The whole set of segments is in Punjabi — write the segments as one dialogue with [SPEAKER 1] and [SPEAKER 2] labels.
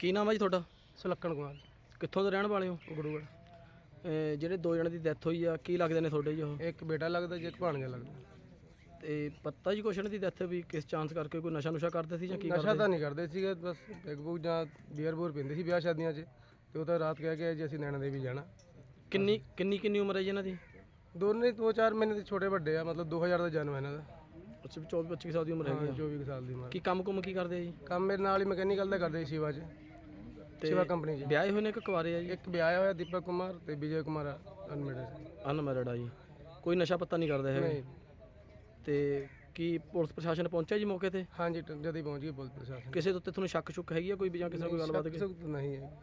[SPEAKER 1] ਕੀ ਨਾਮ ਹੈ ਜੀ ਤੁਹਾਡਾ?
[SPEAKER 2] ਸੁਲੱਖਣ ਕੁਮਾਰ
[SPEAKER 1] ਕਿੱਥੋਂ ਦੇ ਰਹਿਣ ਵਾਲੇ ਹੋ?
[SPEAKER 2] ਗੁਰੂਗੜ੍ਹ।
[SPEAKER 1] ਜਿਹੜੇ ਦੋ ਜਣੇ ਦੀ ਡੈਥ ਹੋਈ ਆ, ਕੀ ਲੱਗਦੇ ਨੇ ਤੁਹਾਡੇ ਜੀ ਉਹ?
[SPEAKER 2] ਇੱਕ ਬੇਟਾ ਲੱਗਦਾ ਜੀ, ਇੱਕ ਭਾਣਜਾ ਲੱਗਦਾ।
[SPEAKER 1] ਤੇ ਪਤਾ ਜੀ ਕੁਛ ਇਹਨਾਂ ਦੀ ਡੈਥ ਵੀ ਕਿਸ ਚਾਂਸ ਕਰਕੇ, ਕੋਈ ਨਸ਼ਾ ਨੁਸ਼ਾ ਕਰਦੇ ਸੀ ਜਾਂ ਕੀ
[SPEAKER 2] ਨਸ਼ਾ
[SPEAKER 1] ਕਰਦੇ?
[SPEAKER 2] ਤਾਂ ਨਹੀਂ ਕਰਦੇ ਸੀਗੇ, ਬਸ ਪੈਗ ਪੁਗ ਜਾਂ ਬੀਅਰ ਬੂਰ ਪੀਂਦੇ ਸੀ ਵਿਆਹ ਸ਼ਾਦੀਆਂ 'ਚ। ਤੇ ਉਹ ਤਾਂ ਰਾਤ ਕਹਿ ਕੇ ਜੀ ਅਸੀਂ ਨੈਣਾ ਦੇਵੀ ਜਾਣਾ।
[SPEAKER 1] ਕਿੰਨੀ ਉਮਰ ਹੈ ਜੀ ਇਹਨਾਂ ਦੀ?
[SPEAKER 2] ਦੋਨੇ 2-4 ਮਹੀਨੇ ਦੇ ਛੋਟੇ ਵੱਡੇ ਆ, ਮਤਲਬ 2000 ਦਾ ਜਨਮ ਹੈ ਇਹਨਾਂ ਦਾ।
[SPEAKER 1] ਅੱਛਾ, 24-25 ਸਾਲ ਦੀ ਉਮਰ ਹੈਗੀ ਆ।
[SPEAKER 2] 24 ਸਾਲ ਦੀ ਉਮਰ।
[SPEAKER 1] ਕੀ ਕੰਮ ਕੁਮ ਕੀ ਕਰਦੇ ਆ ਜੀ?
[SPEAKER 2] ਕੰਮ ਮੇਰੇ ਨਾਲ ਹੀ ਮਕੈਨੀਕਲ ਦਾ ਕਰਦੇ ਸੀ ਸ਼ਿਵਾ 'ਚ, ਸ਼ਿਵਾ ਕੰਪਨੀ 'ਚ।
[SPEAKER 1] ਵਿਆਹੇ ਹੋਏ ਨੇ ਕਿ ਕੁਆਰੇ ਆ ਜੀ?
[SPEAKER 2] ਇੱਕ ਵਿਆਹਿਆ ਹੋਇਆ ਦੀਪਕ ਕੁਮਾਰ ਤੇ ਵਿਜੇ ਕੁਮਾਰ ਅਨਮੈਰਿਡ।
[SPEAKER 1] ਅਨਮੈਰਿਡ ਆ ਜੀ। ਕੋਈ ਨਸ਼ਾ ਪੱਤਾ ਨਹੀਂ ਕਰਦੇ ਹੈਗੇ?
[SPEAKER 2] ਨਹੀਂ।
[SPEAKER 1] ਤੇ ਕੀ ਪੁਲਿਸ ਪ੍ਰਸ਼ਾਸਨ ਪਹੁੰਚਿਆ ਜੀ ਮੌਕੇ ਤੇ?
[SPEAKER 2] ਹਾਂਜੀ, ਜਦ ਹੀ ਪਹੁੰਚ ਗਈ ਪੁਲਿਸ ਪ੍ਰਸ਼ਾਸਨ।
[SPEAKER 1] ਕਿਸੇ ਦੇ ਉੱਤੇ ਤੁਹਾਨੂੰ ਸ਼ੱਕ ਸ਼ੁੱਕ ਹੈਗੀ ਆ ਕੋਈ ਵੀ, ਜਾਂ ਕਿਸੇ ਨਾਲ ਕੋਈ ਗੱਲਬਾਤ?
[SPEAKER 2] ਨਹੀਂ ਹੈ।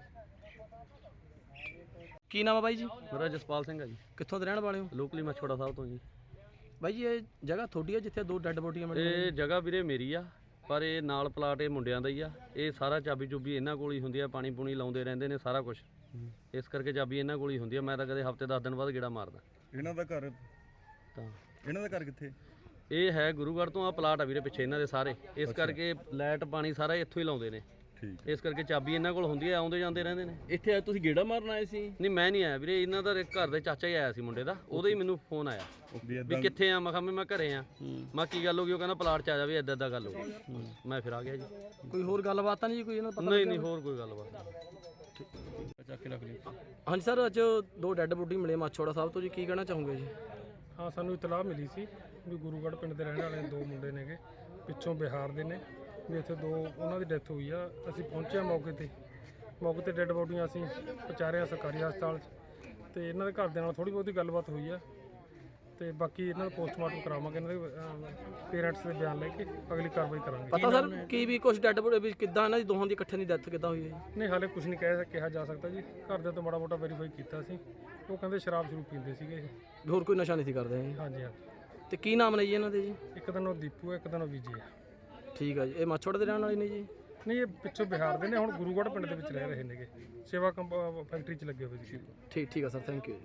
[SPEAKER 1] ਕੀ ਨਾਮ ਆ ਬਾਈ ਜੀ?
[SPEAKER 3] ਮੇਰਾ ਜਸਪਾਲ ਸਿੰਘ ਆ ਜੀ,
[SPEAKER 1] ਕਿੱਥੋਂ ਦੇ ਰਹਿਣ ਵਾਲੇ ਹੋ?
[SPEAKER 3] ਲੋਕਲੀ ਮਛੋੜਾ ਸਾਹਿਬ ਤੋਂ ਜੀ।
[SPEAKER 1] ਬਾਈ ਜੀ ਇਹ ਜਗ੍ਹਾ ਤੁਹਾਡੀ ਆ ਜਿੱਥੇ ਦੋ ਡੈੱਡ ਬੋਡੀਆਂ ਮਿਲੀਆਂ?
[SPEAKER 3] ਇਹ ਜਗ੍ਹਾ ਵੀਰੇ ਮੇਰੀ ਆ, ਪਰ ਇਹ ਨਾਲ ਪਲਾਟ ਇਹ ਮੁੰਡਿਆਂ ਦਾ ਹੀ ਆ। ਇਹ ਸਾਰਾ ਚਾਬੀ ਚੁਬੀ ਇਹਨਾਂ ਕੋਲ ਹੀ ਹੁੰਦੀ ਆ, ਪਾਣੀ ਪੂਣੀ ਲਾਉਂਦੇ ਰਹਿੰਦੇ ਨੇ ਸਾਰਾ ਕੁਝ, ਇਸ ਕਰਕੇ ਚਾਬੀ ਇਹਨਾਂ ਕੋਲ ਹੀ ਹੁੰਦੀ ਆ। ਮੈਂ ਤਾਂ ਕਦੇ ਹਫਤੇ 10 ਦਿਨ ਬਾਅਦ ਗੇੜਾ ਮਾਰਦਾ।
[SPEAKER 4] ਇਹਨਾਂ ਦਾ ਘਰ
[SPEAKER 3] ਤਾਂ
[SPEAKER 4] ਇਹਨਾਂ ਦਾ ਘਰ ਕਿੱਥੇ?
[SPEAKER 3] ਇਹ ਹੈ ਗੁਰੂਗੜ੍ਹ ਤੋਂ, ਆ ਪਲਾਟ ਆ ਵੀਰੇ ਪਿੱਛੇ ਇਹਨਾਂ ਦੇ ਸਾਰੇ, ਇਸ ਕਰਕੇ ਲਾਈਟ ਪਾਣੀ ਸਾਰਾ ਇੱਥੋਂ ਹੀ ਲਾਉਂਦੇ ਨੇ।
[SPEAKER 4] ਠੀਕ।
[SPEAKER 3] ਇਸ ਕਰਕੇ ਚਾਬੀ ਇਹਨਾਂ ਕੋਲ ਹੁੰਦੀ ਆ, ਆਉਂਦੇ ਜਾਂਦੇ ਰਹਿੰਦੇ ਨੇ।
[SPEAKER 1] ਇੱਥੇ ਆਏ ਤੁਸੀਂ ਗੇੜਾ ਮਾਰਨ ਆਏ ਸੀ?
[SPEAKER 3] ਨਹੀਂ ਮੈਂ ਨਹੀਂ ਆਇਆ ਵੀਰੇ, ਇਹਨਾਂ ਦਾ ਘਰ ਦੇ ਚਾਚਾ ਹੀ ਆਇਆ ਸੀ ਮੁੰਡੇ ਦਾ, ਉਹਦਾ ਹੀ ਮੈਨੂੰ ਫੋਨ ਆਇਆ ਵੀ ਕਿੱਥੇ ਆ। ਮੈਂ ਕਿਹਾ ਮੈਂ ਘਰੇ ਆ। ਮੈਂ ਕੀ ਗੱਲ ਹੋ ਗਈ? ਉਹ ਕਹਿੰਦਾ ਪਲਾਟ 'ਚ ਆ ਜਾ ਵੀ, ਇੱਦਾਂ ਗੱਲ ਹੋ ਗਈ। ਮੈਂ ਫਿਰ ਆ ਗਿਆ ਜੀ।
[SPEAKER 1] ਕੋਈ ਹੋਰ ਗੱਲਬਾਤ ਤਾਂ ਨਹੀਂ ਜੀ ਕੋਈ ਇਹਨਾਂ ਦਾ?
[SPEAKER 3] ਨਹੀਂ ਹੋਰ ਕੋਈ ਗੱਲਬਾਤ ਨਹੀਂ।
[SPEAKER 1] ਚੱਕ ਕੇ ਰੱਖ ਲਈ। ਹਾਂਜੀ ਸਰ, ਅੱਜ ਦੋ ਡੈੱਡ ਬੋਡੀ ਮਿਲੇ ਮਾਛੋੜਾ ਸਾਹਿਬ ਤੋਂ ਜੀ, ਕੀ ਕਹਿਣਾ ਚਾਹੋਗੇ ਜੀ?
[SPEAKER 5] ਹਾਂ, ਸਾਨੂੰ ਇਤਲਾਹ ਮਿਲੀ ਸੀ ਵੀ ਗੁਰੂਗੜ੍ਹ ਪਿੰਡ ਦੇ ਰਹਿਣ ਵਾਲੇ ਦੋ ਮੁੰਡੇ ਨੇਗੇ, ਪਿੱਛੋਂ ਬਿਹਾਰ ਦੇ ਨੇ, ਵੀ ਇੱਥੇ ਦੋ ਉਹਨਾਂ ਦੀ ਡੈਥ ਹੋਈ ਆ। ਅਸੀਂ ਪਹੁੰਚੇ ਮੌਕੇ ਤੇ ਡੈੱਡ ਬੋਡੀਆਂ ਅਸੀਂ ਪਹੁੰਚਾਰਿਆ ਸਰਕਾਰੀ ਹਸਪਤਾਲ 'ਚ। ਤੇ ਇਹਨਾਂ ਦੇ ਘਰਦਿਆਂ ਨਾਲ ਥੋੜ੍ਹੀ ਬਹੁਤੀ ਗੱਲਬਾਤ ਹੋਈ ਆ, ਤੇ ਬਾਕੀ ਇਹਨਾਂ ਦਾ ਪੋਸਟਮਾਰਟਮ ਕਰਾਵਾਂਗੇ, ਇਹਨਾਂ ਦੇ ਪੇਰੈਂਟਸ ਦੇ ਬਿਆਨ ਲੈ ਕੇ ਅਗਲੀ ਕਾਰਵਾਈ ਕਰਾਂਗੇ।
[SPEAKER 1] ਪਤਾ ਸਰ ਕੀ ਵੀ ਕੁਝ ਡੈੱਡ ਬੋਡੀ ਵੀ ਕਿੱਦਾਂ ਇਹਨਾਂ ਦੀ ਦੋਹਾਂ ਦੀ ਇਕੱਠੇ ਦੀ ਡੈਥ ਕਿੱਦਾਂ ਹੋਈ ਹੈ ਜੀ?
[SPEAKER 5] ਨਹੀਂ, ਹਾਲੇ ਕੁਝ ਨਹੀਂ ਕਿਹਾ ਜਾ ਸਕਦਾ ਜੀ। ਘਰਦਿਆਂ ਤੋਂ ਮਾੜਾ ਮੋਟਾ ਵੈਰੀਫਾਈ ਕੀਤਾ ਸੀ, ਉਹ ਕਹਿੰਦੇ ਸ਼ਰਾਬ ਸ਼ੁਰੂ ਪੀਂਦੇ ਸੀਗੇ ਇਹ।
[SPEAKER 1] ਹੋਰ ਕੋਈ ਨਸ਼ਾ ਨਹੀਂ ਸੀ ਕਰਦੇ ਜੀ?
[SPEAKER 5] ਹਾਂਜੀ ਹਾਂਜੀ।
[SPEAKER 1] ਤੇ ਕੀ ਨਾਮ ਨੇ ਜੀ ਇਹਨਾਂ ਦੇ ਜੀ?
[SPEAKER 5] ਇੱਕ ਦਿਨ ਉਹ ਦੀਪੂ ਹੈ, ਇੱਕ ਦਿਨ ਉਹ ਵਿਜੇ ਹੈ।
[SPEAKER 1] ਠੀਕ ਆ ਜੀ। ਇਹ ਮਾਛੋੜਾ ਦੇ ਰਹਿਣ ਵਾਲੇ ਨੇ ਜੀ?
[SPEAKER 5] ਨਹੀਂ, ਇਹ ਪਿੱਛੋਂ ਬਿਹਾਰ ਦੇ ਨੇ, ਹੁਣ ਗੁਰੂਗੜ੍ਹ ਪਿੰਡ ਦੇ ਵਿੱਚ ਰਹਿ ਰਹੇ ਨੇਗੇ, ਸੇਵਾ ਫੈਕਟਰੀ 'ਚ ਲੱਗੇ ਹੋਏ ਸੀ।
[SPEAKER 1] ਠੀਕ ਆ ਸਰ, ਥੈਂਕ ਯੂ।